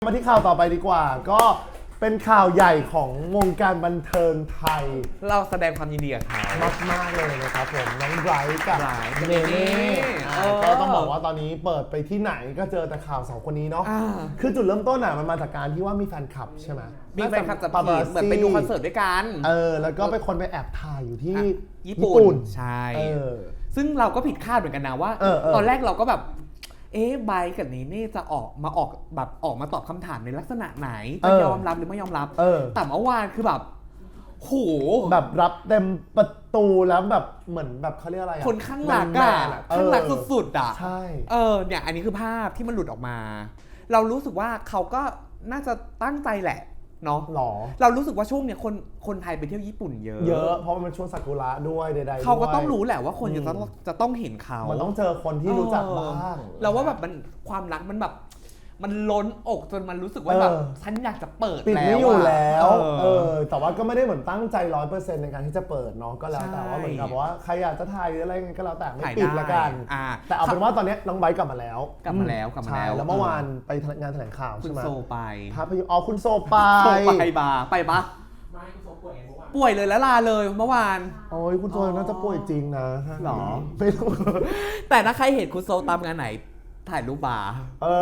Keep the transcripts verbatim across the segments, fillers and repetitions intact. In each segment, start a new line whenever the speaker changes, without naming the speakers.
มาที่ข่าวต่อไปดีกว่าก็เป็นข่าวใหญ่ของวงการบันเทิงไทย
เราแสดงความยินดีกับเขา
มากมากเลยนะครับผมน้องไบรท์กับเนเน่ก็ต้องบอกว่าตอนนี้เปิดไปที่ไหนก็เจอแต่ข่าวสองคนนี้เนาะคือจุดเริ่มต้นอ่ะมันมาจากการที่ว่ามีแฟนคลับใช่ไหม
มีแฟนคลับจะเหมือนไปดูคอนเสิร์ตด้วยกัน
เออแล้วก็ไปคนไปแอบถ่ายอยู่ที่
ญี่ปุ่นใช่ซึ่งเราก็ผิดคาดเหมือนกันนะว่าตอนแรกเราก็แบบเอ๊ะไบร์ทกับเนเน่จะออกมาออกแบบออกมาตอบคำถามในลักษณะไหนจะยอมรับหรือไม่ยอมรับแต่เมื่อวานคือแบบโห
แบบรับเต็มประตูแล้วแบบเหมือนแบบเขาเรียกอะไร
คนข้างหลังอะข้างหลังสุดๆอะ
ใช่
เออเนี่ยอันนี้คือภาพที่มันหลุดออกมา เรารู้สึกว่าเขาก็น่าจะตั้งใจแหละเนาะ
หรอ
เรารู้สึกว่าช่วงเนี้ยคนคนไทยไปเที่ยวญี่ปุ่นเยอะ
เยอะเพราะมันช่วงซากุระด้วยใดๆ
เขาก็ต้องรู้แหละว่าคนจะต้องจะต้องเห็นเขา
มันต้องเจอคนที่รู้จักบ้าง
แล้วว่าแบบมันความรักมันแบบมันล้นอกจนมันรู้สึกว่าแบบฉันอยากจะเปิด
ปิดไม่อยู่แล้วเออแต่ว่าก็ไม่ได้เหมือนตั้งใจร้อยเปอร์เซ็นต์ในการที่จะเปิดเนาะก็แล้วแต่ว่าเหมือนกับว่าใครอยากจะถ่ายหรืออะไรก็แล้วแต่ไม่ปิดละกันแต่เอาเป็นว่าตอนนี้น้องไบร์ทกลับมาแล้ว
กลับมาแล้วกลับมาแล้ว
แล้วเมื่อวานไปงานแถลงข่าวใช่ไหม
คุณโซไป
ภาพยนตร์อ๋อคุณโซไป
ไปบาไปปะไม่คุณโซป่วยป่วยเลยแล้วลาเลยเมื่อวาน
โอ้ยคุณโซน่าจะป่วยจริงนะ
หรอ
ไม่รู้
แต่ถ้าใครเห็นคุณโซตามงานไหนถ่ายรูปบาร์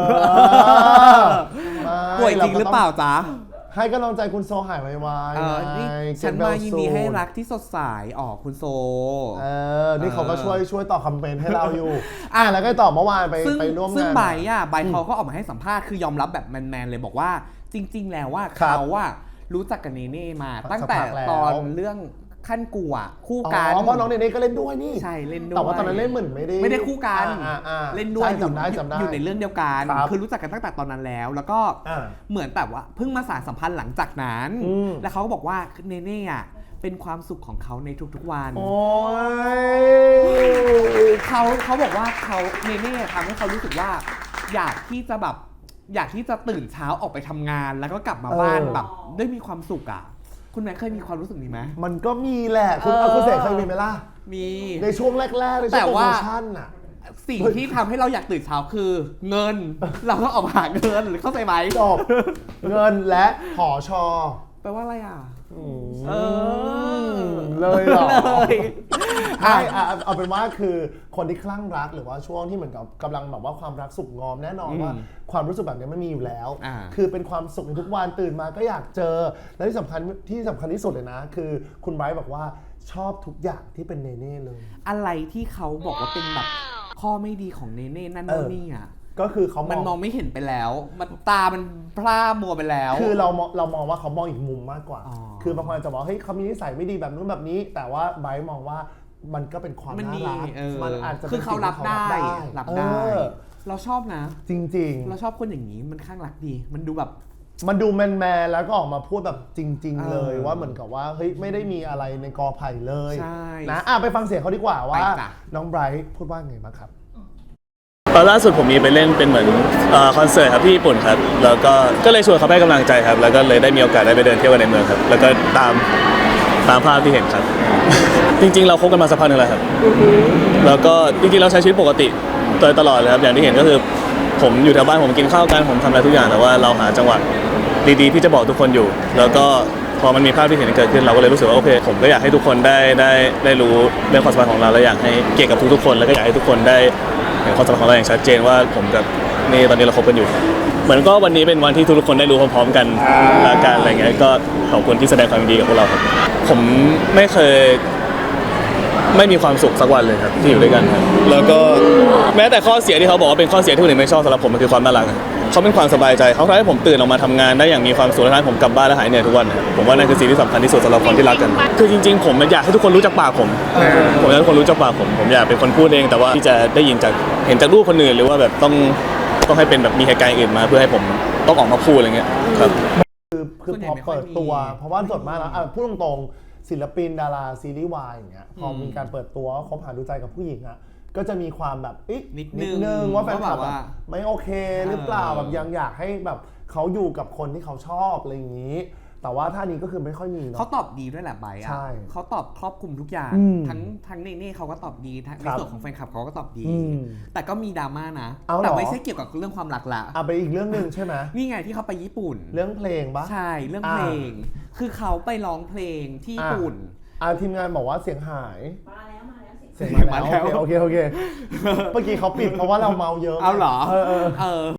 ป่วยจริงหรือเปล่าจ๊ะ
ให้กำลังใจคุณโซหายไวๆ
นี่ฉันมายินดีให้รักที่สดใสอ๋อคุณโซ
เออนี่เขาก็ช่วยช่วยตอบคอมเมนต์ให้เราอยู่อ่ะแล้วก็ตอบเมื่อวานไปไปร่วมงาน
ซึ่งไบร์ทอ่ะไบร์ทเขาก็ออกมาให้สัมภาษณ์คือยอมรับแบบแมนๆเลยบอกว่าจริงๆแล้วว่าเขาว่ารู้จักกับเนเน่มาตั้งแต่ตอนเรื่องขั้นกูอ่ะคู่กัน
อ๋อเพราะน้องเนเน่ก็เล่นด้วยนี่
ใช่เล่นด้วย
แต่ว่าตอนนั้นเล่นเหมือนไม่ได้
ไม่ได้คู่กันเล่นด้วย
อยู่
อยู่ในเรื่องเดียวกันคือรู้จักกันตั้งแต่ตอนนั้นแล้วแล้วก็เหมือนแบบว่าเพิ่งมาสานสัมพันธ์หลังจากนั้นแล้วเขาก็บอกว่าเนเน่อ่ะเป็นความสุขของเขาในทุกๆวันเขาเขาบอกว่าเขาเนเน่ทำให้เขารู้สึกว่าอยากที่จะแบบอยากที่จะตื่นเช้าออกไปทำงานแล้วก็กลับมาบ้านแบบได้มีความสุขอ่ะคุณแม่เคยมีความรู้สึกนี้ไหม
มันก็มีแหละคุณเอาคุณเสกเคยมีไหมล่ะ
มี
ในช่วงแรกๆในช่วงโปรโมชั่นอ่ะ
สิ่งที่ทำให้เราอยากตื่นเช้าคือเงินเราต้องออกมาหาเงินหรือเข้าใจไหม
จบเงินและหอชอ
แปลว่าอะไรอ่ะ
เออเลยเหรอเลยเอาเป็นว่าคือคนที่คลั่งรักหรือว่าช่วงที่เหมือนกับกำลังแบบว่าความรักสุขงอมแน่นอนว่าความรู้สึกแบบนี้ไม่มีอยู่แล้วคือเป็นความสุขในทุกวันตื่นมาก็อยากเจอและที่สำคัญที่สำคัญที่สุดเลยนะคือคุณไบร์ทบอกว่าชอบทุกอย่างที่เป็นเนเน่เลย
อะไรที่เขาบอกว่าเป็นแบบข้อไม่ดีของเนเน่นั่นนี่อ่ะ
ก็คือเขา
มันมองไม่เห็นไปแล้วมันตามันพร่ามัวไปแล้ว
คือเราเรามองว่าเขามองอีกมุมมากกว่าคือบางคนอาจจะบอกเฮ้ยเขามีนิสัยไม่ดีแบบนู้นแบบนี้แต่ว่าไบร์ทมองว่ามันก็เป็นความน่ารัก
มันอาจจะคือเขารับได้รับได้เราชอบนะ
จริงๆ
เราชอบคนอย่างนี้มันข้างรักดีมันดูแบบ
มันดูแมนแมนแล้วก็ออกมาพูดแบบจริงๆเลยว่าเหมือนกับว่าเฮ้ยไม่ได้มีอะไรในกอไผ่เลยนะอ่ะไปฟังเสียงเขาดีกว่าว่าน้องไบรท์พูดว่าไงบ้างครับ
ตอนล่าสุดผมมีไปเล่นเป็นเหมือนคอนเสิร์ตครับที่ญี่ปุ่นครับแล้วก็ก็เลยชวนเขาให้กำลังใจครับแล้วก็เลยได้มีโอกาสได้ไปเดินเที่ยวในเมืองครับแล้วก็ตามตามภาพที่เห็นครับจริงๆเราคบกันมาสักพักนึงแล้วครับแล้วก็จริงๆเราใช้ชีวิตปกติโดยตลอดเลยครับอย่างที่เห็นก็คือผมอยู่แถวบ้านผมกินข้าวกันผมทำอะไรทุกอย่างแต่ว่าเราหาจังหวะดีๆที่จะบอกทุกคนอยู่แล้วก็พอมันมีภาพที่เห็นเกิดขึ้นเราก็เลยรู้สึกว่าโอเคผมก็อยากให้ทุกคนได้ได้ได้รู้เรื่องความสัมพันธ์ของเราและอยากให้เกียรติกับทุกๆคนแล้วก็อยากให้ทุกคนได้เห็นความสัมพันธ์ของเราอย่างชัดเจนว่าผมกับนี่ตอนนี้เราคบกันอยู่เหมือนก็วันนี้เป็นวันที่ทุกคนได้รู้พร้อมๆกันละกันอะไรเงี้ยก็ขอบคุณที่แสดงความยินดีกับพวกเราครับผมไม่เคยไม่มีความสุขสักวันเลยครับที่อยู่ด้วยกันครับแล้วก็แม้แต่ข้อเสียที่เขาบอกว่าเป็นข้อเสียที่คนอื่นไม่ชอบสำหรับผมมันคือความน่ารักเขาเป็นความสบายใจเขาทำให้ผมตื่นออกมาทำงานได้อย่างมีความสุขและทำให้ผมกลับบ้านและหายเหนื่อยทุกวันผมว่านั่นคือสิ่งที่สำคัญที่สุดสำหรับคนที่รักกันคือจริงๆผมอยากให้ทุกคนรู้จักปากผมผมอยากให้ทุกคนรู้จักปากผมผมอยากเป็นคนพูดเองแต่ว่าที่จะได้ยินจากเห็นจากรูปคนอื่นหรือว่าแบบต้องต้องให้เป็นแบบมีเหตุการณ์อื่นมาเพื่อให้ผมต้องออกมาพูดอะไรเงี้ยครับ
คือคือพอเปิดตัวเพราะว่าส่วนมากแล้วพูดตรงๆศิลปินดาราซีรีส์วายอย่างเงี้ยพอมีการเปิดตัวคบหาดูใจกับผู้หญิงอ่ะก็จะมีความแบบ
นิด
นึงว่าแฟนคลับไม่โอเคหรือเปล่าแบบยังอยากให้แบบเขาอยู่กับคนที่เขาชอบอะไรอย่างนี้แต่ว่าท่านี้ก็คือไม่ค่อยมีเนาะ
เขาตอบดีด้วยแหละไบร์ท
ใช่
อะเขาตอบครอบคลุมทุกอย่าง
อืม
ทั้งทั้งเนเน่เขาก็ตอบดีทั้งใน
ครับ
ส่วนของแฟนคลับเขาก็ตอบดี
อืม
แต่ก็มีดราม่านะ
เอาเหรอ
แต่ไม่ใช่เกี่ยวกับเรื่องความรักละ
อ่ะไปอีกเรื่องหนึ่งใช่ไหม
นี่ไงที่เขาไปญี่ปุ่น
เรื่องเพลงปะ
ใช่เรื่อง
อ่า
เพลง คือเขาไปร้องเพลงที่ญี่ปุ่น
อ่ะทีมงานบอกว่าเสียงหาย
มาแล้วมาแล้วเสียง
เสียงมา
มาแล้
แล้ว วโอเคโอเคโอเคเมื่อกี้เขาปิดเพราะว่าเราเมาเยอะ
เอาเหรอ
เออเออ
เออ